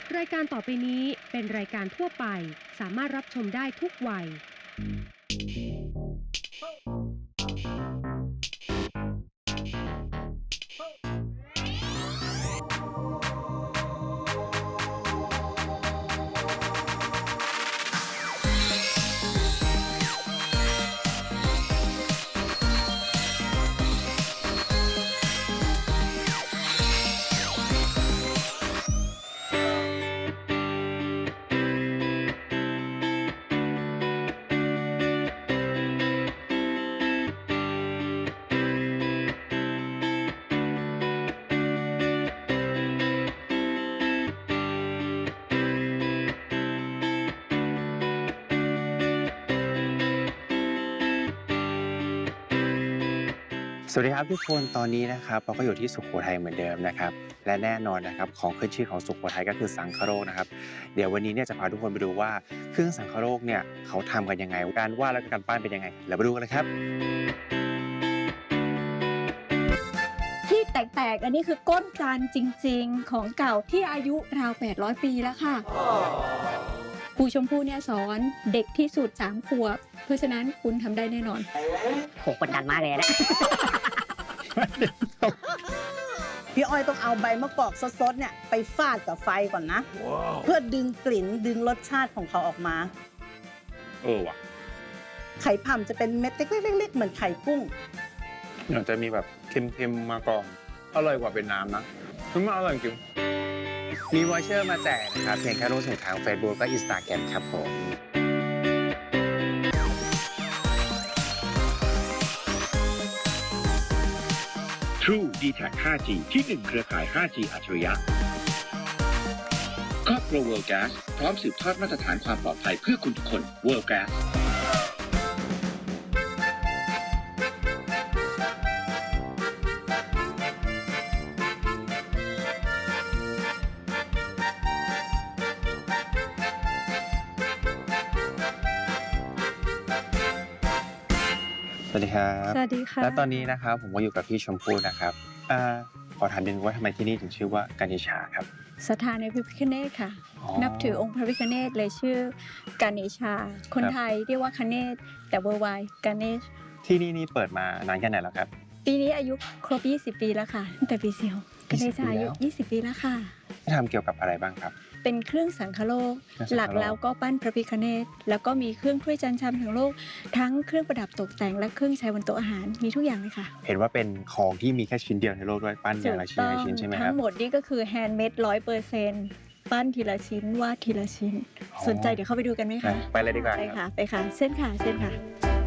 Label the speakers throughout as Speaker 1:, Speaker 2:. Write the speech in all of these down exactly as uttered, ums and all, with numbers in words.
Speaker 1: รายการต่อไปนี้เป็นรายการทั่วไปสามารถรับชมได้ทุกวัย
Speaker 2: สวัสดีครับทุกคนตอนนี้นะครับเราก็อยู่ที่สุโขทัยเหมือนเดิมนะครับและแน่นอนนะครับของขึ้นชื่อของสุโขทัยก็คือสังคโรกนะครับเดี๋ยววันนี้เนี่ยจะพาทุกคนไปดูว่าเครื่องสังคโรกเนี่ยเขาทำกันยังไงการวาดและการปั้นเป็นยังไงแล้วไปดูกันเลยครับ
Speaker 3: ที่แตกๆอันนี้คือก้นจานจริงๆของเก่าที่อายุราวแปดร้อยปีแล้วค่ะครูชมพู่เนี่ยสอนเด็กที่สุดสามขวบเพราะฉะนั้นคุณทำได้แน่นอน
Speaker 4: โหกดดันมากเลยนะ
Speaker 5: พี่อ้อยต้องเอาใบมะกอกสดๆเนี่ยไปฟาดกับไฟก่อนนะ wow. เพื่อดึงกลิ่นดึงรสชาติของเขาออกมา
Speaker 2: เออว่ะ
Speaker 5: ไข่พ่ำจะเป็นเม็ดเล็กๆๆเหมือนไข่กุ้ง
Speaker 2: เดี๋ยวจะมีแบบเค็มๆมาก่อนอร่อยกว่าเป็นน้ำนะคือมันอร่อยจริงมีวอเชอร์มาแจกนะครับเพียงแค่ร่วมสนุกทาง Facebook และ Instagram ครับผม
Speaker 6: True ดี แท็ก ห้าจี ที่หนึ่งเครือข่าย ห้าจี อัจฉริยะครอบครัว World Gas พร้อมสืบทอดมาตรฐานความปลอดภัยเพื่อคุณทุกคน World Gas
Speaker 2: สวัสดีครับ
Speaker 3: สวัสดีค่ะ
Speaker 2: และตอนนี้นะครับผมก็อยู่กับพี่ชมพู่นะครับอ่าขอถามนิดนึงว่าทำไมที่นี่ถึงชื่อว่ากัญชาครับ
Speaker 3: ศรัทธาในพระพิฆเนศค่ะนับถือองค์พระพิฆเนศเลยชื่อกัญชาคนไทยเรียกว่าคเนศแต่เวอร์ไวกัญช
Speaker 2: ที่นี่นี่เปิดมานานแค่ไหนแล้วครับ
Speaker 3: ปีนี้อายุครบยี่สิบปีแล้วค่ะตั้งแต่ปีเสียวกัญชาอายุยี่สิบปีแล้วค่ะ
Speaker 2: ทำเกี่ยวกับอะไรบ้างครับ
Speaker 3: เป็นเครื่องสังคโลกหลักแล้วก็ปั้นพระพิฆเนศแล้วก็มีเครื่องถ้วยจานชามทั้งโลกทั้งเครื่องประดับตกแต่งและเครื่องใช้บนโต๊ะอาหารมีทุกอย่างเลยค่ะ
Speaker 2: เห็นว่าเป็นของที่มีแค่ชิ้นเดียวในโลกด้วยปั้นอย่างละชิ้นละชิ้นใช่ไหมครับ
Speaker 3: ทั้งหมดนี่ก็คือแฮนด์เมดร้อยเปอร์เซ็นต์ปั้นทีละชิ้นวาดทีละชิ้นสนใจเดี๋ยวเข้าไปดูกันไหมคะ
Speaker 2: ไปเลยดีกว่า
Speaker 3: ไปค่ะไปค่ะเส้นค่ะเส้นค่ะ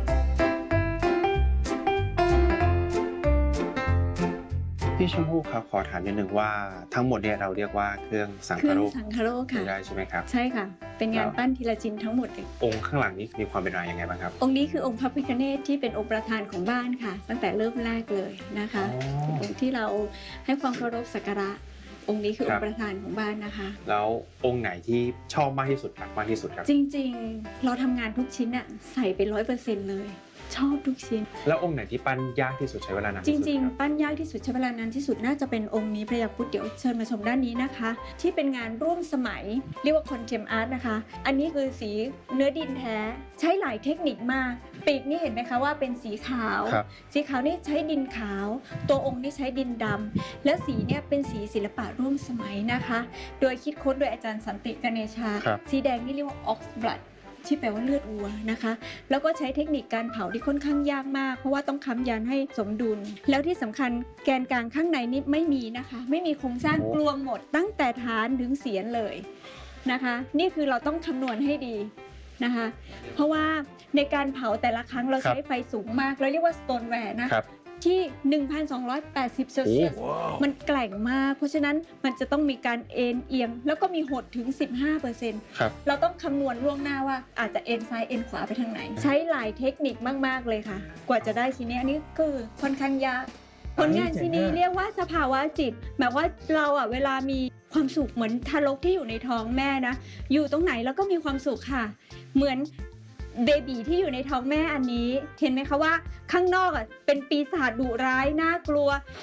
Speaker 2: พี่ชมพู่ครับขอถามนิดนึงว่าทั้งหมดเนี่ยเราเรียกว่าเครื่องสังคโลก
Speaker 3: สังคโลกค่ะ
Speaker 2: ได้ใช่ไหมครับ
Speaker 3: ใช่ค่ะเป็นงานปั้นทีละชิ้นทั้งหมดเลย
Speaker 2: องค์ข้างหลังนี้มีความเป็นมาอย่างไงบ้างครับ
Speaker 3: องค์นี้คือองค์พระพิฆเนศที่เป็นองค์ประธานของบ้านค่ะตั้งแต่เริ่มแรกเลยนะคะองค์ที่เราให้ความเคารพสักการะองค์นี้คือองค์ประธานของบ้านนะคะ
Speaker 2: แล้วองค์ไหนที่ชอบมากที่สุดครับมากที่สุดครับ
Speaker 3: จริงๆเราทำงานทุกชิ้นอะใส่ไปร้อยเปอร์เซ็นต์เลยชอบทุกชิ้น
Speaker 2: แล้วองค์ไหนที่ปั้นยากที่สุดใช้เวลานาน
Speaker 3: จริงๆปั้นยากที่สุดใช้เวลานานที่สุดน่าจะเป็นองค์นี้พระยาครุฑเดี๋ยวเชิญมาชมด้านนี้นะคะที่เป็นงานร่วมสมัยเรียกว่าคอนเทมอาร์ตนะคะอันนี้คือสีเนื้อดินแท้ใช้หลายเทคนิคมากปีกนี่เห็นไหมคะว่าเป็นสีขาวสีขาวนี่ใช้ดินขาวตัวองค์นี่ใช้ดินดำและสีเนี่ยเป็นสีศิลปะร่วมสมัยนะคะโดยคิดค้นโดยอาจารย์สันติกเนชาสีแดงนี่เรียกว่าออกซ์บลัดที่แปลว่าเลือดวัวนะคะแล้วก็ใช้เทคนิคการเผาที่ค่อนข้างยากมากเพราะว่าต้องค้ำยันให้สมดุลแล้วที่สำคัญแกนกลางข้างในนี่ไม่มีนะคะไม่มีโครงสร้างกลวงหมดตั้งแต่ฐานถึงเสียนเลยนะคะนี่คือเราต้องคำนวณให้ดีนะคะเพราะว่าในการเผาแต่ละครั้งเราใช้ไฟสูงมากเราเรียกว่าสโตนแวร์นะที่ หนึ่งพันสองร้อยแปดสิบ เซลเซียสมันแกร่งมากเพราะฉะนั้นมันจะต้องมีการเอ็นเอียงแล้วก็มีหดถึง สิบห้าเปอร์เซ็นต์ เราต้องคำนวณล่วงหน้าว่าอาจจะเอ็นซ้ายเอ็นขวาไปทางไหนใช้หลายเทคนิคมากๆเลยค่ะกว่าจะได้ชิ้นนี้อันนี้คือค่อนข้างยากผลงานชิ้นนี้เรียกว่าสภาวะจิตแบบว่าเราอ่ะเวลามีความสุขเหมือนทารกที่อยู่ในท้องแม่นะอยู่ตรงไหนแล้วก็มีความสุขค่ะเหมือนเบบีที่อยู่ในท้องแม่อันนี้เห็นไหมคะว่าข้างนอกอ่ะเป็นปีศาจดุร้ายน่ากลัว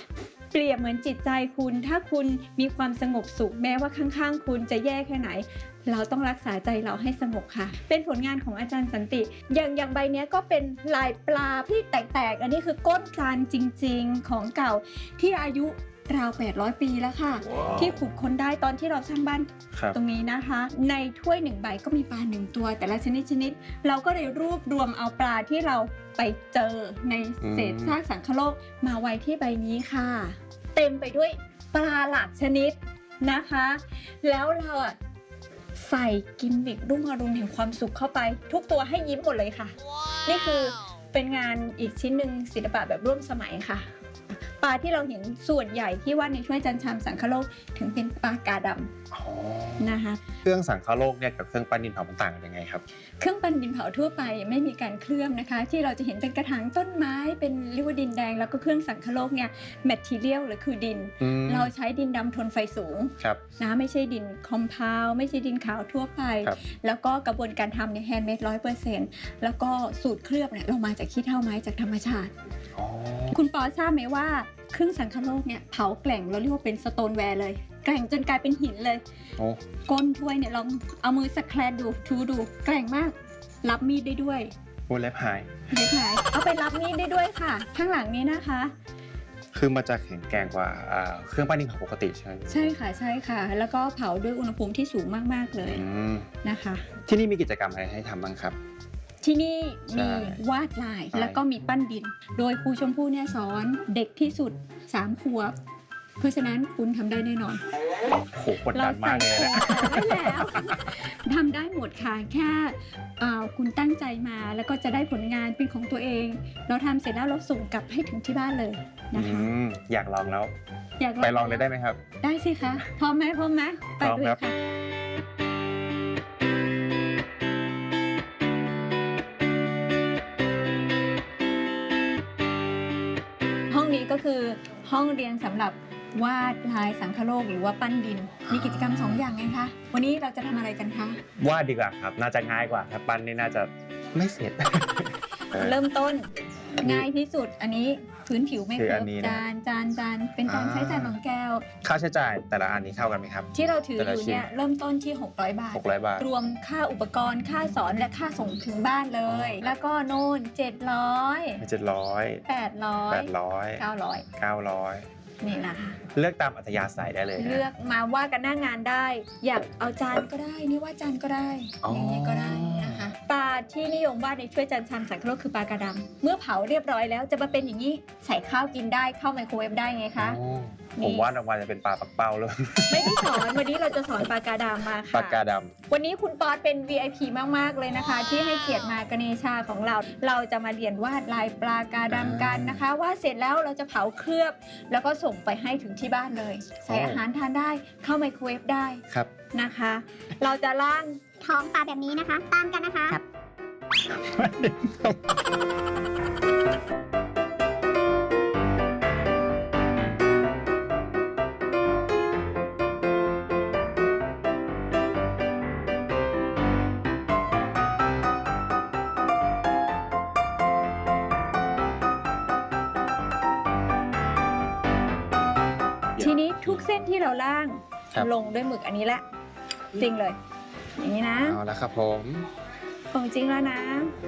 Speaker 3: เปรียบเหมือนจิตใจคุณถ้าคุณมีความสงบสุขแม้ว่าข้างๆคุณจะแย่แค่ไหนเราต้องรักษาใจเราให้สงบค่ะเป็นผลงานของอาจารย์สันติอย่างอย่างใบนี้ก็เป็นลายปลาที่แตกๆอันนี้คือก้นจานจริงๆของเก่าที่อายุราวแปดร้อยปีแล้วค่ะ
Speaker 2: wow.
Speaker 3: ที่ขุดค้นได้ตอนที่เราสร้างบ้าน
Speaker 2: ครับ
Speaker 3: ตรงนี้นะคะในถ้วยหนึ่งใบก็มีปลาหนึ่งตัวแต่ละชนิดชนิดเราก็เลยรวบรวมเอาปลาที่เราไปเจอในเศษซากสังคโลกมาไว้ที่ใบนี้ค่ะเต็มไปด้วยปลาหลากชนิดนะคะแล้วเราอะใส่กิมมิครุ่งอรุณแห่งความสุขเข้าไปทุกตัวให้ยิ้มหมดเลยค่ะ wow. นี่คือเป็นงานอีกชิ้นหนึ่งศิลปะแบบร่วมสมัยค่ะปลาที่เราเห็นส่วนใหญ่ที่ว่าในถ้วยจานชามสังคโลกถึงเป็นปลากาดำนะคะ
Speaker 2: เครื่องสังคโลกเนี่ยกับเครื่องปั้นดินเผามันต่างกันยังไงครับ
Speaker 3: เครื่องปั้นดินเผาทั่วไปไม่มีการเคลือบนะคะที่เราจะเห็นเป็นกระถางต้นไม้เป็นเรียกว่าดินแดงแล้วก็เครื่องสังคโลกเนี่ยแมททีเรียลหรือคือดินเราใช้ดินดำทนไฟสูงนะไม่ใช่ดินคอมเพลไม่ใช่ดินขาวทั่วไปแล้วก็กระบวนการทำเนี่ยแฮนด์เมดร้อยเปอร์เซ็นต์แล้วก็สูตรเคลือบเนี่ยเรามาจากขี้เถ้าไม้จากธรรมชาติคุณปอทราบไหมว่าเครื่องสังคโลกเนี่ยเผาแกล่งเราเรียกว่าเป็นสโตนแวร์เลยแกล่งจนกลายเป็นหินเลยก้นถ้วยเนี่ยลองเอามือสแครนดูทูดูแกล่งมากรับมีดได้ด้วย
Speaker 2: โอ้เล็บหาย
Speaker 3: เล็บหายเอาไปรับมีดได้ด้วยค่ะข้างหลังนี้นะคะ
Speaker 2: คือมันจะแข็งแกร่งกว่าเครื่องปั้นดินเผาปกติใช่ไหม
Speaker 3: ใช่ค่ะใช่ค่ะแล้วก็เผาด้วยอุณหภูมิที่สูงมากๆเลยนะคะ
Speaker 2: ที่นี่มีกิจกรรมอะไรให้ทำบ้างครับ
Speaker 3: ที่นี่มีวาดลายแล้วก็มีปั้นดินโดยครูชมพู่เนี่ยสอนเด็กที่สุดสามขวบเพราะฉะนั้นคุณทำได้แน่นอน
Speaker 2: โหกดดันมากเลยนะ
Speaker 3: ได้แล้วทำได้หมดค่ะแค่คุณตั้งใจมาแล้วก็จะได้ผลงานเป็นของตัวเองเราทำเสร็จแล้วเราส่งกลับให้ถึงที่บ้านเลยนะคะ
Speaker 2: อยากลองแล้วไปลองเลยได้ไหมครับ
Speaker 3: ได้สิคะพร้อมไหมพร้อมไหมไปเลยค่ะห้องนี้ก็คือห้องเรียนสำหรับวาดลายสังคโลกหรือว่าปั้นดินมีกิจกรรมสองอย่างไงคะวันนี้เราจะทำอะไรกันคะ
Speaker 2: วาดดีกว่าครับน่าจะง่ายกว่าถ้าปั้นนี่น่าจะไม่เสร็จ
Speaker 3: เริ่มต้นง่ายที่สุดอันนี้พื้นผิวไม่เคลือบจานจานจานเป็นจานใช้จานของแก้ว
Speaker 2: ค่าใช้จ่ายแต่ละอันนี้เข้ากันไหมครับ
Speaker 3: ที่เราถืออยู่เนี่ยเริ่มต้นที่หกร้อยบาท
Speaker 2: หกร้อยบาท
Speaker 3: รวมค่าอุปกรณ์ค่าสอนและค่าส่งถึงบ้านเลยแล้วก็โน่นเจ็ดร้อย
Speaker 2: เจ็ดร้อย
Speaker 3: แปดร้อย
Speaker 2: แปดร้อย
Speaker 3: เก้าร้อย
Speaker 2: เก้าร้อย
Speaker 3: นี่นะคะ
Speaker 2: เลือกตามอัธยาศัยได้เลย
Speaker 3: เลือกมาว่ากันหน้างานได้อยากเอาจานก็ได้นี่ว่าจานก็ได้อย่างนี้ก็ได้นะคะปลาที่นิยมวาดในถ้วยจานชามสังคโลกคือปลากระดำเมื่อเผาเรียบร้อยแล้วจะมาเป็นอย่างนี้ใส่ข้าวกินได้เข้าไมโครเวฟได้ไงคะ
Speaker 2: ผมวาดออกมาจะเป็นปลาปักเป้าเลย
Speaker 3: ไม่ได้สอนวันนี้เราจะสอนปลากระดำมาค่ะ
Speaker 2: ปลากระดำ
Speaker 3: วันนี้คุณป๊อตเป็น วี ไอ พี มากๆเลยนะคะที่ให้เกียรติมากเนชาของเราเราจะมาเรียนวาดลายปลากระดำกันนะคะวาดเสร็จแล้วเราจะเผาเคลือบแล้วก็ส่งไปให้ถึงที่บ้านเลยใส่อาหารทานได้เข้าไมโครเวฟได้
Speaker 2: ครับ
Speaker 3: นะคะเราจะล่าง
Speaker 4: ท้องปลาแบบนี้นะคะตามกันนะคะครับ
Speaker 3: ทีนี้ทุกเส้นที่เราล่างลงด้วยหมึกอันนี้แหละจริงเลยอย่างนี้นะ
Speaker 2: เอาละครับผม
Speaker 3: ของจริงแล้วนะ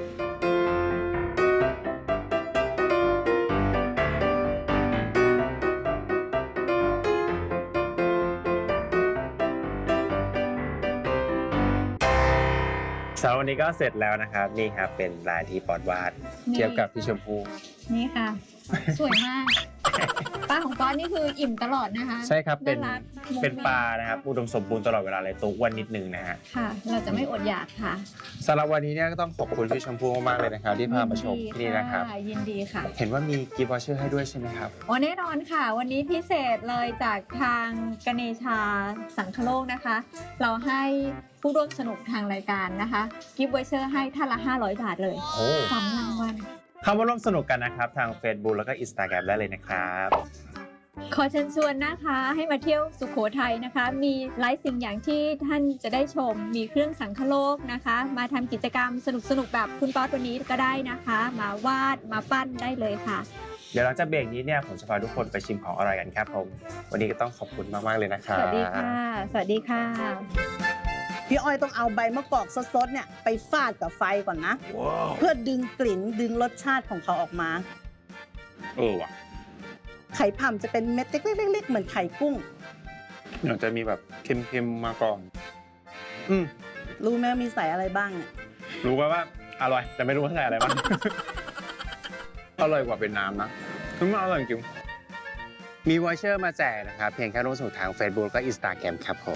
Speaker 2: สำหรับวันนี้ก็เสร็จแล้วนะครับนี่ครับเป็นลายที่ปอดวาดเทียบกับพี่ชมพู่
Speaker 3: นี่ค่ะสวยมากปลาของป๊อตนี่คืออิ่มตลอดนะคะ
Speaker 2: ใช่ครับเป็นเป็นปลานะครับอุดมสมบูรณ์ตลอดเวลาเลยตัวอ้วนนิดนึงนะฮะ
Speaker 3: ค่ะเราจะไม่อดอยากค่ะ
Speaker 2: สำหรับวันนี้เนี่ยก็ต้องขอบคุณพี่ชมพู่มากๆเลยนะครับที่พามาชมที่นี่นะครับ
Speaker 3: ยินดีค่ะ
Speaker 2: เห็นว่ามีกิฟต์วอเชอร์ให้ด้วยใช่ไหมครับ
Speaker 3: อ๋อแน่นอนค่ะวันนี้พิเศษเลยจากทางกเนชาสังคโลกนะคะเราให้ผู้ร่วมสนุกทางรายการนะคะกิฟต์วอเชอร์ให้ท่านละห้าร้อยบาทเลยสามรางวัล
Speaker 2: เข้ามาร่วมสนุกกันนะครับทาง Facebook แล้วก็ Instagram ได้เลยนะครับ
Speaker 3: ขอเชิญชวนนะคะให้มาเที่ยวสุโขทัยนะคะมีหลายสิ่งอย่างที่ท่านจะได้ชมมีเครื่องสังคโลกนะคะมาทำกิจกรรมสนุกๆแบบคุณป๊อตวันนี้ก็ได้นะคะมาวาดมาปั้นได้เลยค่ะ
Speaker 2: เดี๋ยวหลังจากเบรกนี้เนี่ยผมจะพาทุกคนไปชิมของอร่อยกันครับผมวันนี้ก็ต้องขอบคุณมากๆเลยนะครับ
Speaker 3: สวัสดีค่ะ สวัสดีค่ะ
Speaker 5: พี่อ้อยต้องเอาใบมะกอกสดๆเนี่ยไปฟาดกับไฟก่อนนะ เพื่อดึงกลิ่นดึงรสชาติของเขาออกมา
Speaker 2: เออว่ะ
Speaker 5: ไข่ผำจะเป็นเม็ดเล็กๆๆเหมือนไข่กุ้ง
Speaker 2: เดี๋ยวจะมีแบบเค็มๆมาก่อนอืม
Speaker 5: รู้ไหมว่ามีใส่อะไรบ้างเนี่ย
Speaker 2: รู้ว่าว่าอร่อยแต่ไม่รู้ว่าใส่อะไรบ้าง อร่อยกว่าเป็นน้ำนะคือมันอร่อยจริงมีวอเชอร์มาแจกนะครับเพียงแค่ร่วมสนุกทาง Facebook และ Instagram ครับผม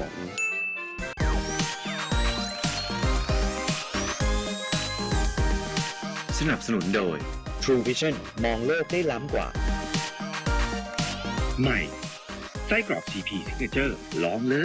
Speaker 6: สนับสนุนโดย True Vision มองโลกได้ล้ำกว่า ใหม่ไส้กรอก ซี พี Signature ลองเลย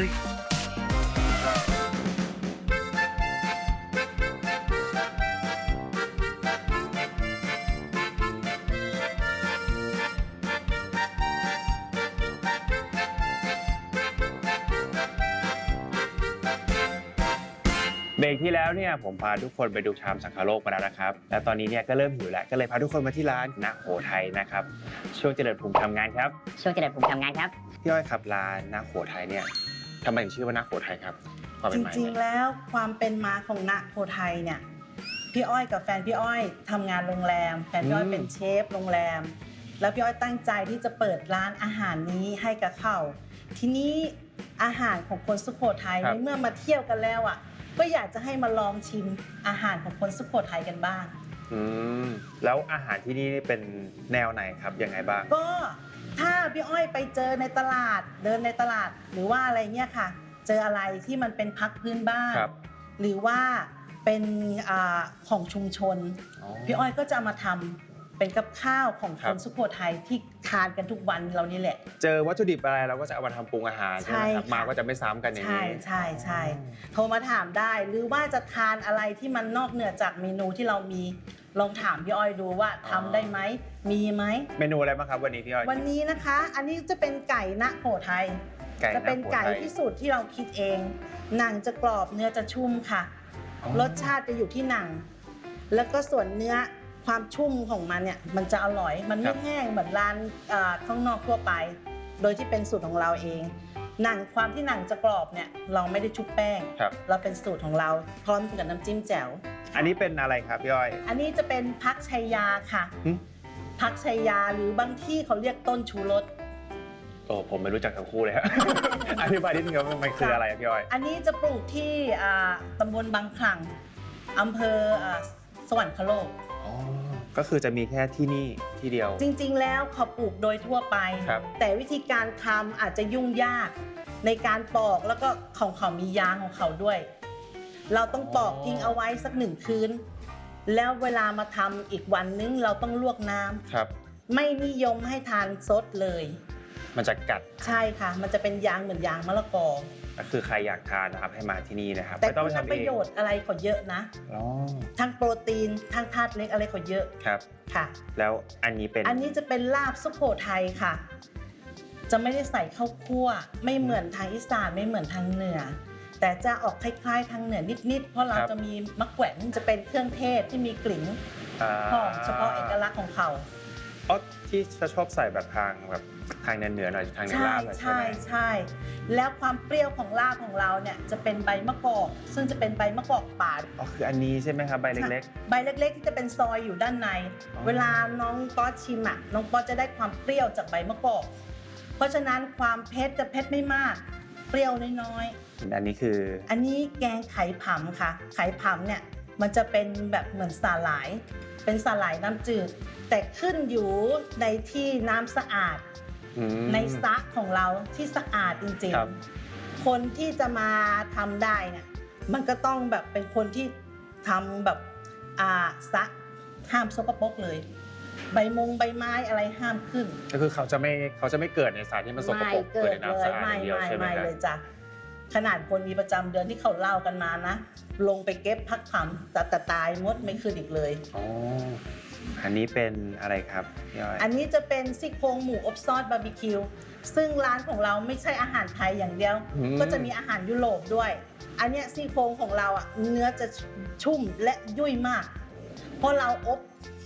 Speaker 2: เบรกที่แล้วเนี่ยผมพาทุกคนไปดูชามสังคโลกมาแล้วนะครับและตอนนี้เนี่ยก็เริ่มหิวแล้วก็เลยพาทุกคนมาที่ร้านณโหไทยนะครับช่วงเจริญภูมิทำงานครับ
Speaker 4: ช่วงเจริญภูมิทำงานครับ
Speaker 2: พี่อ้อยครับร้านณโหไทยเนี่ยทำไมถึงชื่อว่าณโหไทยครับความ
Speaker 5: จ
Speaker 2: เป็นมา
Speaker 5: ริงๆแล้วความเป็นมาของณโพไทยเนี่ยพี่อ้อยกับแฟนพี่อ้อยทำงานโรงแรมแฟนพี่อ้อยเป็นเชฟโรงแรม แล้วพี่อ้อยตั้งใจที่จะเปิดร้านอาหารนี้ให้กับเขาทีนี้อาหารของคนสุโขทัยในเมื่อมาเที่ยวกันแล้วอ่ะก็อยากจะให้มาลองชิมอาหารของคนสุโขทัยกันบ้าง
Speaker 2: อืมแล้วอาหารที่นี่เป็นแนวไหนครับยังไงบ้าง
Speaker 5: ก็ถ้าพี่อ้อยไปเจอในตลาดเดินในตลาดหรือว่าอะไรเงี้ยค่ะ เจออะไรที่มันเป็นพักพื้นบ้าน
Speaker 2: ครับ
Speaker 5: หรือว่าเป็นอาของชุมชน
Speaker 2: อ๋อ
Speaker 5: พี่อ้อยก็จะเอามาทำเป็นกับข้าวของ
Speaker 2: ครั
Speaker 5: ค
Speaker 2: บ
Speaker 5: นสุโขทัยที่ทานกันทุกวันเรานี่แหละ
Speaker 2: เจอวัตถุดิบอะไรเราก็จะเอามาทำปรุงอาหารใช่ไหมครับ
Speaker 5: ใช่ค่ะ
Speaker 2: มาก็จะไม่ซ้ำกันอย่าง
Speaker 5: ใช่
Speaker 2: นี้
Speaker 5: ใช่ใช่โทรมาถามได้ หรือว่าจะทานอะไรที่มันนอกเหนือจากเมนูที่เรามีลองถามพี่อ้อยดูว่าทำได้ไหมมีไหม
Speaker 2: เมนูอะไรบ้างครับวันนี้พี่อ้อย
Speaker 5: วันนี้นะคะ อันนี้จะเป็นไก่ณโขทัย
Speaker 2: ไก่ณ
Speaker 5: จะเป็นไก่
Speaker 2: โขทัย
Speaker 5: ที่สูตรที่เราคิดเอง หนังจะกรอบเนื้อจะชุ่มค่ะ
Speaker 2: อ๋อ
Speaker 5: รสชาติจะอยู่ที่หนัง แล้วก็ส่วนเนื้อความชุ่มของมันเนี่ยมันจะอร่อย มันไม่แห้งเหมือนร้านเอ่อข้างนอกทั่วไป โดยที่เป็นสูตรของเราเอง หนังความที่หนังจะกรอบเนี่ยเราไม่ได้ชุบแป้ง
Speaker 2: ครับ
Speaker 5: เราเป็นสูตรของเราพร้อมกับน้ำจิ้มแจ่ว
Speaker 2: อันนี้เป็นอะไรครับพี่อ้อย
Speaker 5: อันนี้จะเป็นพักชัยยาค่ะ
Speaker 2: หึ
Speaker 5: พักชัยยาหรือบางที่เขาเรียกต้นชูรส
Speaker 2: โอ้ผมไม่รู้จักทั้งคู่เลยครับ อธิบายนิดนึงครับมันคืออะไรครับพี่อ้อย
Speaker 5: อันนี้จะปลูกที่อ่าตำบลบางคลังอำเภออ่าสวรรคโลก
Speaker 2: อ๋อก็คือจะมีแค่ที่นี่ที่เดียว
Speaker 5: จริงๆ แล้วเขาปลูกโดยทั่วไป
Speaker 2: ครับ
Speaker 5: แต่วิธีการทำอาจจะยุ่งยากในการปอกแล้วก็ของเขามียางของเขาด้วย เราต้องปอกทิ้งเอาไว้สักหนึ่งคืน แล้วเวลามาทำอีกวันนึงเราต้องลวกน้ำ
Speaker 2: ครับ
Speaker 5: ไม่นิยมให้ทานสดเลย
Speaker 2: มันจะกัด
Speaker 5: ใช่ค่ะ มันจะเป็นยางเหมือนยางมะละกอ
Speaker 2: ก็คือใครอยากทานนะครับให้มาที่นี่นะครับ
Speaker 5: แต่
Speaker 2: ไม่ต้อง
Speaker 5: คุ
Speaker 2: ไป
Speaker 5: ณ
Speaker 2: ทำ
Speaker 5: ป
Speaker 2: เอ
Speaker 5: ระ
Speaker 2: ง
Speaker 5: โยชน์อะไรเขาเยอะนะ
Speaker 2: อ๋อ
Speaker 5: ทั้งโปรตีนทั้งธาตุเหล็กอะไรเขาเยอะ
Speaker 2: ครับ
Speaker 5: ค่ะ
Speaker 2: แล้วอันนี้เป็น
Speaker 5: อันนี้จะเป็นลาบสุโขทัยค่ะ จะไม่ได้ใส่ข้าวคั่ว ไม่เหมือนทางอีสานไม่เหมือนทางเหนือ แต่จะออกคล้ายๆ ทางเหนือนิดๆ เพราะเราจะมีมะแขวนจะเป็นเครื่องเทศที่มีกลิ่น
Speaker 2: อ่า
Speaker 5: หอมเฉพาะเอกลักษณ์ของเขา
Speaker 2: อ๋อที่จะชอบใส่แบบทางแบบทางเหนือๆหน่อยทางเหนือ
Speaker 5: ใช่
Speaker 2: ลาบหน่อยใช่
Speaker 5: ใช่
Speaker 2: ไหม
Speaker 5: ใช่แล้วความเปรี้ยวของลาบของเราเนี่ยจะเป็นใบมะกอก ซึ่งจะเป็นใบมะกอกป่า
Speaker 2: อ๋อคืออันนี้ใช่ไหมครับใบเล็ก
Speaker 5: ใบเล็กๆ ที่จะเป็นซอยอยู่ด้านใน
Speaker 2: อ๋อ
Speaker 5: เวลาน้องป๊อตชิมอ่ะน้องป๊อตจะได้ความเปรี้ยวจากใบมะกอก เพราะฉะนั้นความเผ็ดจะเผ็ดไม่มาก เปรี้ยวน้อย
Speaker 2: ๆอันนี้คือ
Speaker 5: ๆ อันนี้แกงไข่ผำค่ะ ไข่ผำเนี่ยมันจะเป็นแบบเหมือนสาหร่าย เป็นสาหร่ายน้ำจืด แต่ขึ้นอยู่ในที่น้ำสะอาด
Speaker 2: อืม
Speaker 5: ในสระของเราที่สะอาดจริง
Speaker 2: ครับ
Speaker 5: ๆ คนที่จะมาทำได้เนี่ยมันก็ต้องแบบเป็นคนที่ทำแบบอ่าสระห้ามสกปรกเลย ใบมงใบไม้อะไรห้ามขึ้น
Speaker 2: ก็คือเขาจะไม่เขาจะไม่เกิดในสารที่มันสกปรก
Speaker 5: เกิ
Speaker 2: เกิด
Speaker 5: ด
Speaker 2: ใน
Speaker 5: เล
Speaker 2: น้ำสะ
Speaker 5: ย
Speaker 2: อาดอ
Speaker 5: ไม่
Speaker 2: ย่างเดียว
Speaker 5: ไม่
Speaker 2: ใช่ไหม
Speaker 5: ไม่
Speaker 2: ครับ
Speaker 5: เลยจ้ะขนาดคนมีประจำเดือนที่เขาเล่ากันมานะ ลงไปเก็บพักคำแต่แต่ตายมดไม่ขึ้นอีกเลย
Speaker 2: อ๋ออันนี้เป็นอะไรครับพี่อ้อย
Speaker 5: อันนี้จะเป็นซี่โครงหมูอบซอสบาร์บีคิวซึ่งร้านของเราไม่ใช่อาหารไทยอย่างเดียว
Speaker 2: อืม
Speaker 5: ก็จะมีอาหารยุโรปด้วย อันเนี้ยซี่โครงของเราอ่ะเนื้อจะชุ่มและยุ่ยมาก เพราะเราอบ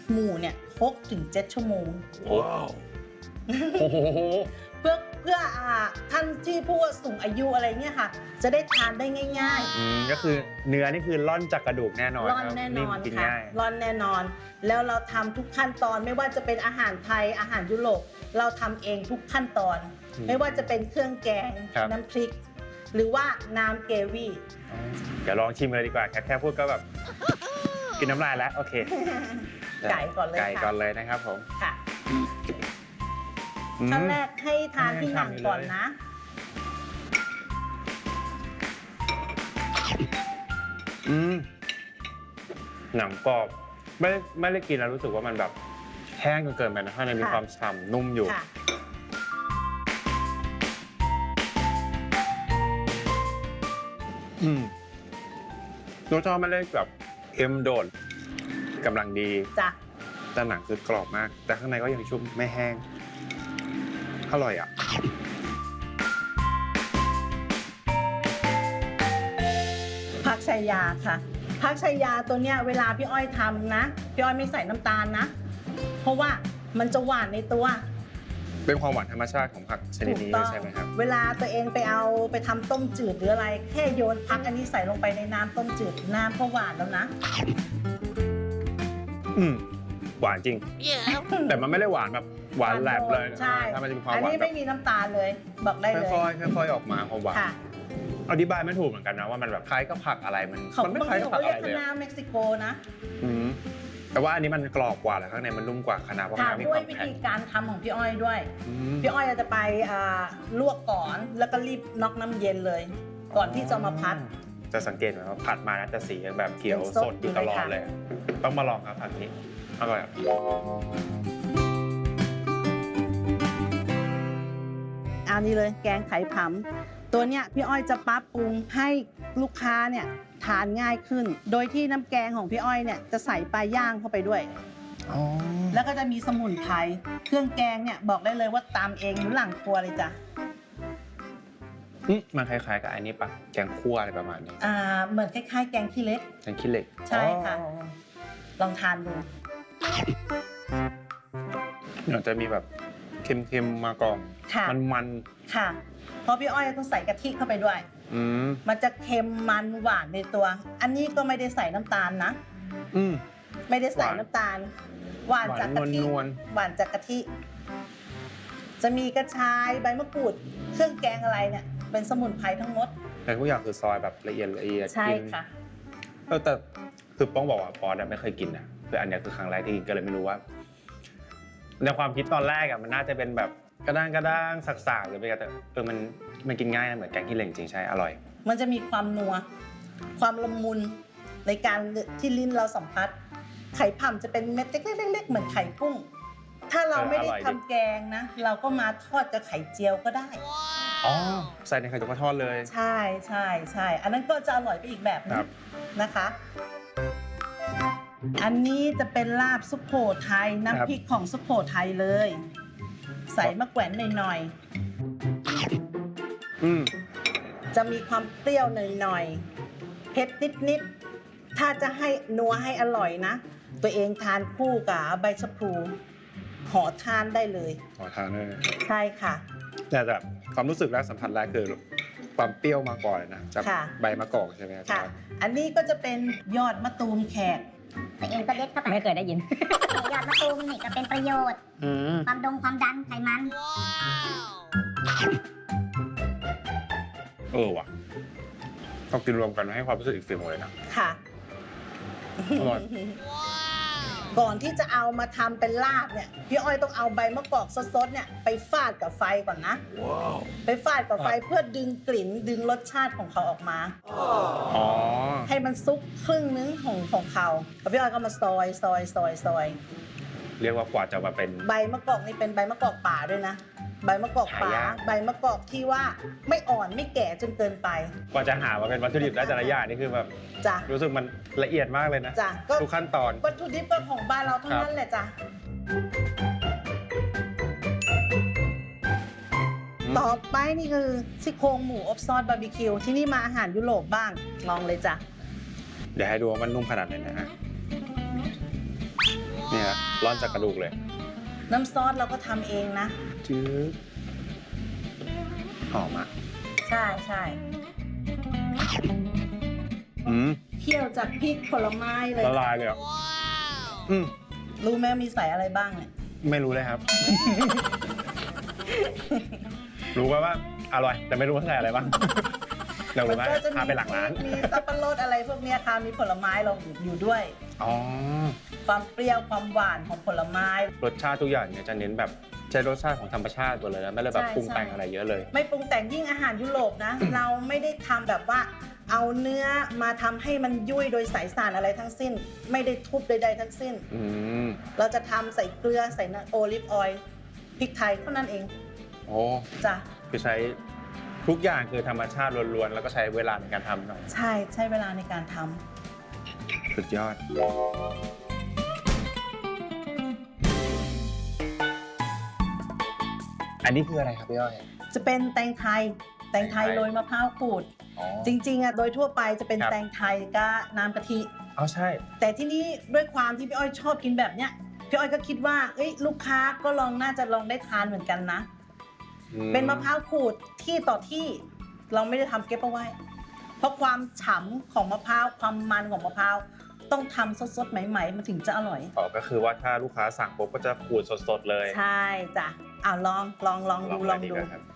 Speaker 5: หมูเนี่ยหกถึงเจ็ดชั่วโมง
Speaker 2: ว้าวโอ้โห
Speaker 5: เพื่อเพื่ออ่าท่านที่ผู้สูงอายุอะไรเนี่ยค่ะ จะได้ทานได้ง่าย
Speaker 2: อืมก็คือเนื้อนี่คือร่อนจากกระดูกแน่นอน
Speaker 5: ๆร่อน
Speaker 2: ครับ
Speaker 5: แน่น
Speaker 2: นิ่ม
Speaker 5: อน
Speaker 2: กิน
Speaker 5: ค่ะ
Speaker 2: ง่าย
Speaker 5: ร่อนแน่นอน แล้วเราทำทุกขั้นตอนไม่ว่าจะเป็นอาหารไทยอาหารยุโรปเราทำเองทุกขั้นตอน
Speaker 2: อืม
Speaker 5: ไม่ว่าจะเป็นเครื่องแกง
Speaker 2: ครับ
Speaker 5: น้ำพริก หรือว่าน้ำเกวี่
Speaker 2: เดี๋ยวลองชิมเลยดีกว่าแค่แค่พูดก็แบบ กินน้ำลายแล้วโอเค
Speaker 5: ไก่ก่อนเลย
Speaker 2: ไก่
Speaker 5: ค่ะ
Speaker 2: ก่อนเลยนะครับผม
Speaker 5: ค่ะ
Speaker 2: อืม
Speaker 5: ขั้นแรกให้ทานที่หนัง
Speaker 2: ให้ทำอยู่
Speaker 5: ก่อน
Speaker 2: เลย
Speaker 5: นะ
Speaker 2: อืมหนังกรอบไม่ได้ไม่ได้กินแล้วรู้สึกว่ามันแบบแห้งจนเกินไปนะข้างในมี
Speaker 5: ค่ะ
Speaker 2: ความฉ่ำนุ่มอยู่
Speaker 5: ค่ะ
Speaker 2: อืมรสชาติไม่ได้แบบเค็มโดดกำลังดี
Speaker 5: จ้ะ
Speaker 2: แต่หนังคือกรอบมาก แต่ข้างในก็ยังชุ่มไม่แห้งอร่อยอ่ะ
Speaker 5: ผักชายาค่ะผักชายาตัวเนี้ยเวลาพี่อ้อยทำนะพี่อ้อยไม่ใส่น้ำตาลนะ เพราะว่ามันจะหวานในตัว
Speaker 2: เป็นความหวานธรรมชาติของผักชนิดนี้
Speaker 5: ถูกต้อง
Speaker 2: ใช่ไหมครับ
Speaker 5: เวลาตัวเองไปเอาไปทำต้มจืดหรืออะไร แค่โยนพักอันนี้ใส่ลงไปในน้ำต้มจืดน้ำก็หวานแล้วนะ
Speaker 2: อืมหวานจริง แต่มันไม่ได้หวานแบบหวานแหลมเลย
Speaker 5: ใช่
Speaker 2: ถ้ามันจะมีความ
Speaker 5: อัน
Speaker 2: หวาน
Speaker 5: นี้
Speaker 2: แบ
Speaker 5: ไม่
Speaker 2: บ
Speaker 5: มีน้ำตาลเลย บอกได้เลย
Speaker 2: ค่อยๆค่อยๆออกมาความหวาน
Speaker 5: ค่ะ
Speaker 2: อธิบายไม่ถูกเหมือนกันนะว่ามันแบบคล้ายกับผักอะไรมัน
Speaker 5: เขา
Speaker 2: มันไม่
Speaker 5: บาง
Speaker 2: คล้าย
Speaker 5: ที
Speaker 2: กับ
Speaker 5: เขา
Speaker 2: ผัก
Speaker 5: เรี
Speaker 2: อะ
Speaker 5: ยก
Speaker 2: ไรเลย
Speaker 5: คะน้าเม็กซิโกนะ
Speaker 2: อืมแต่ว่าอันนี้มันกรอบกว่าแล้วข้างในมันนุ่มกว่าคะน้าเพราะ
Speaker 5: ค่ะ
Speaker 2: คะน้ามี
Speaker 5: ด้
Speaker 2: คว วาย ม
Speaker 5: วิ
Speaker 2: แข็ง
Speaker 5: ธีการทำของพี่อ้อยด้วย
Speaker 2: อืม
Speaker 5: พี่อ้อยจะไปอ่าลวกก่อนแล้วก็รีบน็อกน้ำเย็นเลย ก่อนที่จะมาพัด
Speaker 2: จะสังเกตไหมว่าผัดมานะจะสีแบบเขียว
Speaker 5: เป็น
Speaker 2: ส
Speaker 5: ส
Speaker 2: ด
Speaker 5: ด
Speaker 2: อยู่ตลอด
Speaker 5: อยู่เลยค่ะ
Speaker 2: เลย ต้องมาลองครับผัดนี้อร่อยอะ
Speaker 5: อันนี้เลยแกงไข่ผำตัวเนี้ยพี่อ้อยจะปรับปรุงให้ลูกค้าเนี่ยทานง่ายขึ้น โดยที่น้ำแกงของพี่อ้อยเนี่ยจะใส่ปลาย่างเข้าไปด้วย
Speaker 2: อ๋อ
Speaker 5: แล้วก็จะมีสมุนไพรเครื่องแกงเนี่ยบอกได้เลยว่าตามเองอยู่หลังครัวเลยจ้ะ
Speaker 2: อืมมันคล้ายๆกับอันนี้ปะแกงคั่วอะไรประมาณนี้
Speaker 5: อ่าเหมือนคล้ายๆ แกงขี้เล็ก
Speaker 2: แกงขี้เหล็ก
Speaker 5: ใช่ค่ะ
Speaker 2: อ๋อ
Speaker 5: ลองทานดู
Speaker 2: เดี๋ยวจะมีแบบเค็มๆมาก่อน
Speaker 5: ค่ะ
Speaker 2: มันมัน
Speaker 5: ค่ะ เพราะพี่อ้อยต้องใส่กะทิเข้าไปด้วย
Speaker 2: ๆอืม
Speaker 5: มันจะเค็มมันหวานในตัว อันนี้ก็ไม่ได้ใส่น้ำตาลนะ
Speaker 2: อืม
Speaker 5: ไม่ได้ใส่
Speaker 2: หวาน
Speaker 5: น้ำตาล หวานจากกะทิ
Speaker 2: หวานนวล
Speaker 5: หวานจากกะทิ จะมีกระชายใบมะกรูด เครื่องแกงอะไรเนี่ย เป็นสมุนไพรทั้งหมด
Speaker 2: แต่ทุกอย่างคือซอยแบบละเอียดละเอียด
Speaker 5: ใช่
Speaker 2: กิน
Speaker 5: ค่ะ
Speaker 2: เออแต่คือป้องบอกว่าปอดไม่เคยกินนะคืออันเนี้ยคือครั้งแรกที่กินก็เลยไม่รู้ว่า ในความคิดตอนแรกอะมันน่าจะเป็นแบบกระด้างกระด้างสักๆหรือเป็นอะไรแต่เออมันมันกินง่ายนะเหมือนแกงขี้เหล็กจริงใช่อร่อย
Speaker 5: มันจะมีความนัว ความละมุนในการที่ลิ้นเราสัมผัส ไข่ผำจะเป็นเม็ดเล็กๆๆเหมือนไข่กุ้ง ถ้าเราไม่ได้
Speaker 2: เอออร่อยดิ
Speaker 5: ทำแกงนะ เราก็มาทอดกับไข่เจียวก็ได้
Speaker 2: อ๋อใส่ในไข่ตุ๋นกระทอดเลย
Speaker 5: ใช่ใช่ใช่ อันนั้นก็จะอร่อยไปอีกแบบนึ
Speaker 2: ครั
Speaker 5: ง
Speaker 2: บ
Speaker 5: นะคะ อันนี้จะเป็นลาบสุโขทัยน้ำพริกของสุโขทัยเลย ใส่มะแขวนหน่อย
Speaker 2: อืม
Speaker 5: ๆ จะมีความเปรี้ยวหน่อยๆ เผ็ดนิดๆ ถ้าจะให้นัวให้อร่อยนะ ตัวเองทานคู่กับใบชะพลูห่อทานได้เลย
Speaker 2: ขอทานเลย
Speaker 5: ใช่ค่ะ
Speaker 2: แต่แบบความรู้สึกแรกสัมผัสแรกคือความเปรี้ยวมาก่อนเลยนะจาก
Speaker 5: ค่ะ
Speaker 2: ใบมะกอกใช่ไหมครับ
Speaker 5: ค่ะ อันนี้ก็จะเป็นยอดมะตูมแขก
Speaker 4: ตัวเองก็เด็ดเข้าไป
Speaker 7: ไม่เคยได้ยิน
Speaker 4: ยอดมะตูมนี่ก็เป็นประโยชน์
Speaker 2: อืม
Speaker 4: ความดงความดันไขมัน
Speaker 2: เออว่ะต้องกินรวมกันให้ความรู้สึกอีกฟิลเลยนะ
Speaker 5: ค่ะ
Speaker 2: อร่อย
Speaker 5: ก่อนที่จะเอามาทำเป็นลาบเนี่ยพี่อ้อยต้องเอาใบมะกอกสดๆเนี่ยไปฟาดกับไฟก่อนนะ ไปฟาดกับไฟเพื่อดึงกลิ่นดึงรสชาติของเขาออกมา
Speaker 2: อ๋อ
Speaker 5: ให้มันซุกครึ่งนึงของของเขาแล้วพี่อ้อยก็มาซอยซอยซอยซอย
Speaker 2: เรียกว่ากว่าจะมาเป็น
Speaker 5: ใบมะกอกนี่เป็นใบมะกอกป่าด้วยนะ ใบมะกอกป่า
Speaker 2: หายาก
Speaker 5: ใบมะกอกที่ว่าไม่อ่อนไม่แก่จนเกินไป
Speaker 2: กว่าจะหามาเป็นวัตถุดิบได้แต่ละอย่างนี่คือแบบ
Speaker 5: จ้ะ
Speaker 2: รู้สึกมันละเอียดมากเลยนะ
Speaker 5: จ้ะก็
Speaker 2: ทุกขั้นตอน
Speaker 5: วัตถุดิบก็ของบ้านเราทั้ง
Speaker 2: ครับ
Speaker 5: นั้นแหละจ้ะ ต่อไปนี่คือซี่โครงหมูอบซอสบาร์บีคิวที่นี่มาอาหารยุโรปบ้างลองเลยจ้ะ
Speaker 2: เดี๋ยวให้ดูว่ามันนุ่มขนาดไหนนะฮะนี่เนี่ยร้อนจากกระดูกเลย
Speaker 5: น้ำซอสเราก็ทำเองนะ
Speaker 2: จืดหอมอ่ะ
Speaker 5: ใช่ใช่
Speaker 2: อืม
Speaker 5: เคี่ยวจากพริกผลไม้เลย
Speaker 2: ละลายเลยอ่ะอืม
Speaker 5: รู้ไหมมีใส่อะไรบ้างเนี่ย
Speaker 2: ไม่รู้เลยครับ รู้ว่าว่าอร่อย แต่ไม่รู้ว่าใส่อะไรบ้างเรา
Speaker 5: มั
Speaker 2: รู้ว่า
Speaker 5: ก็จะ
Speaker 2: พา
Speaker 5: มี
Speaker 2: ไปหลังร้าน
Speaker 5: มีสับปะรดอะไรพวกเนี้ยค่ะมีผลไม้เราอยู่ด้วย
Speaker 2: อ๋อ
Speaker 5: ความเปรี้ยวความหวานของผลไม้
Speaker 2: รสชาติทุกอย่างเนี่ยจะเน้นแบบใช้รสชาติของธรรมชาติหมดเลยนะไม่ได้แบบ
Speaker 5: ใช่
Speaker 2: ปรุงแต่ง
Speaker 5: ใช่
Speaker 2: อะไรเยอะเลย
Speaker 5: ไม่ปรุงแต่งยิ่งอาหารยุโรปนะ เราไม่ได้ทำแบบว่าเอาเนื้อมาทำให้มันยุ่ยโดยสายสารอะไรทั้งสิ้น ไม่ได้ทุบใดๆทั้งสิ้น
Speaker 2: อืม
Speaker 5: เราจะทำใส่เกลือใส่น้ำโอลิฟออยล์พริกไทยเท่านั้นเอง
Speaker 2: โอ้
Speaker 5: จ้ะ
Speaker 2: คือใช้ทุกอย่างคือธรรมชาติล้วนๆแล้วก็ใช้เวลาในการทำหน่อย
Speaker 5: ใช่ใช้เวลาในการทำ
Speaker 2: สุดยอด อันนี้คืออะไรครับพี่อ้อย
Speaker 5: จะเป็นแตงไทยแตงไทย
Speaker 2: แตงไทย
Speaker 5: โรยมะพร้าวขูด
Speaker 2: อ๋อ
Speaker 5: จริงๆอ่ะโดยทั่วไปจะเป็น
Speaker 2: ครับ
Speaker 5: แตงไทยกับน้ำกะทิ
Speaker 2: อ๋อใช่
Speaker 5: แต่ที่นี้ด้วยความที่พี่อ้อยชอบกินแบบเนี้ยพี่อ้อยก็คิดว่าเอ้ยลูกค้าก็ลองน่าจะลองได้ทานเหมือนกันนะ
Speaker 2: อื
Speaker 5: เป็นมะพร้าวขูดที่ต่อที่เราไม่ได้ทำเก็บเอาไว้ เพราะความฉ่ำของมะพร้าวความมันของมะพร้าวต้องทำสดๆใหม่ๆมันถึงจะอร่อย
Speaker 2: อ๋อก็คือว่าถ้าลูกค้าสั่งปุ๊บก็จะขูดสดๆเลย
Speaker 5: ใช่จ้ะอ่าลองลองลองดูลอง
Speaker 2: เลย
Speaker 5: ดู
Speaker 2: กว่าครับ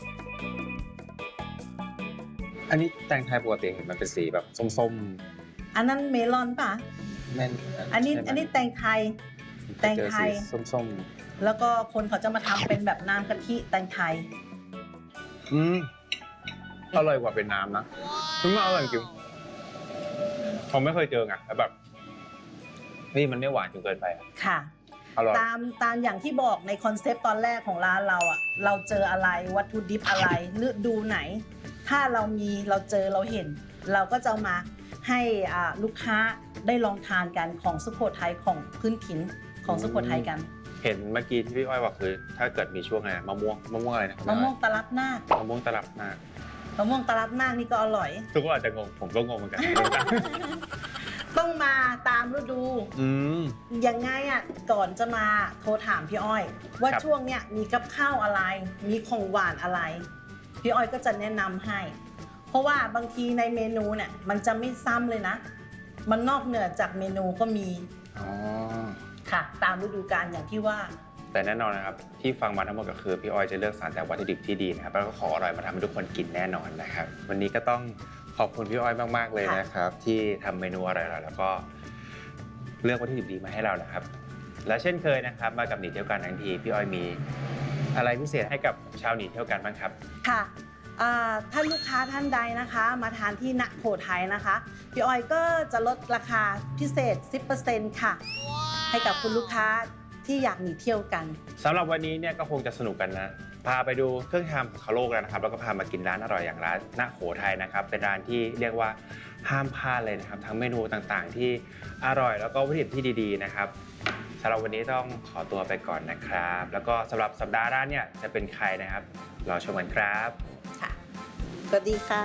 Speaker 2: อันนี้แตงไทยปกติเห็นมันเป็นสีแบบส้ม
Speaker 5: อันนั้นเมลอนป่ะ
Speaker 2: ๆแม่น
Speaker 5: อันนี้
Speaker 2: ใช่ไหม
Speaker 5: อันนี้แตงไทย แตงไทย
Speaker 2: เจอสีส้ม
Speaker 5: แล้วก็คนเขาจะมาทำเป็นแบบน้ำกะทิแตงไทย
Speaker 2: ๆอืมอร่อยกว่าเป็นน้ำนะคือมันอร่อยจริงผมไม่เคยเจอไงแล้วแบบเฮ้ยมันไม่หวานจนเกินไปอะ
Speaker 5: ค่ะ
Speaker 2: อร่อย
Speaker 5: ตามตามอย่างที่บอกในคอนเซปต์ตอนแรกของร้านเราอ่ะเราเจออะไรวัตถุดิบอะไรฤดูไหน ถ้าเรามีเราเจอเราเห็น เราก็จะเอามาให้อ่าลูกค้าได้ลองทานกันของสุโขทัยของพื้นถิ่นของสุโขทัยกัน
Speaker 2: เห็นเมื่อกี้ที่พี่อ้อยบอกคือ ถ้าเกิดมีช่วงอะไรนะมะม่วงมะม่วงอะไรนะ
Speaker 5: มะม่วงตะลับนาค
Speaker 2: มะม่วงตลับหน้าม
Speaker 5: ะม่วงตะลับนาคนี่ก็อร่อย
Speaker 2: ทุกคนอาจจะงงผมก็งงเหมือนกัน
Speaker 5: ต้องมาตามฤดู
Speaker 2: อืม
Speaker 5: ยังไงอ่ะก่อนจะมาโทรถามพี่อ้อย ว่า
Speaker 2: ครับ
Speaker 5: ช่วงเนี้ยมีกับข้าวอะไร มีของหวานอะไร พี่อ้อยก็จะแนะนำให้ เพราะว่าบางทีในเมนูเนี่ยมันจะไม่ซ้ำเลยนะ มันนอกเหนือจากเมนูก็มี
Speaker 2: อ๋อ
Speaker 5: ค่ะ ตามฤดูกาลอย่างที่ว่า
Speaker 2: แต่แน่นอนนะครับที่ฟังมาทั้งหมดก็คือพี่อ้อยจะเลือกสรรแต่วัตถุดิบที่ดีนะครับแล้วก็ของอร่อยมาทำให้ทุกคนกินแน่นอนนะครับ วันนี้ก็ต้องขอบคุณพี่อ้อยมากๆเลยนะครับ ที่ทำเมนูอร่อยๆแล้วก็เลือกวัตถุดิบดีมาให้เรานะครับ และเช่นเคยนะครับ มากับหนีเที่ยวกันทั้งทีพี่อ้อยมีอะไรพิเศษให้กับชาวหนีเที่ยวกันบ้างครับ
Speaker 5: ค่ะอ่าท่านลูกค้าท่านใดนะคะ มาทานที่ณโขทัยนะคะ พี่อ้อยก็จะลดราคาพิเศษ สิบเปอร์เซ็นต์ ค่ะ ให้กับคุณลูกค้าที่อยากหนีเที่ยวกัน
Speaker 2: สำหรับวันนี้เนี่ยก็คงจะสนุกกันนะ พาไปดูเครื่องทำของเขาโลกแล้วนะครับ แล้วก็พามากินร้านอร่อยอย่างร้านณโขทัยนะครับ เป็นร้านที่เรียกว่าห้ามพลาดเลยนะครับ ทั้งเมนูต่างๆ ที่อร่อยแล้วก็วัตถุดิบที่ดีๆนะครับสำหรับวันนี้ต้องขอตัวไปก่อนนะครับ แล้วก็สำหรับสัปดาห์หน้าเนี่ยจะเป็นใครนะครับรอชมกันครับ
Speaker 5: ค่ะ สวัสดีค่ะ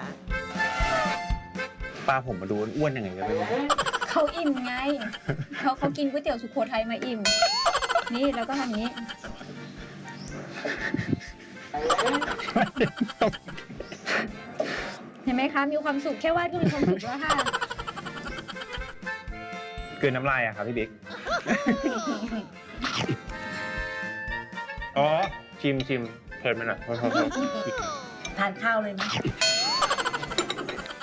Speaker 2: ป้าผมมาดูอ้วนยังไงกันไม่รู้
Speaker 3: เขาอิ่มไง เขาเขากินก๋วยเตี๋ยวสุโขทัยมาอิ่ม นี่แล้วก็ทำอย่างนี้ เห็นไหมคะ มีความสุขแค่วาดก็มีความสุขแล้วค่ะ
Speaker 2: คือน้ำลายอะครับพี่บิ๊ก อ๋อชิมชิมเพลินไปหน่อย
Speaker 5: ทานข้าวเลยไหม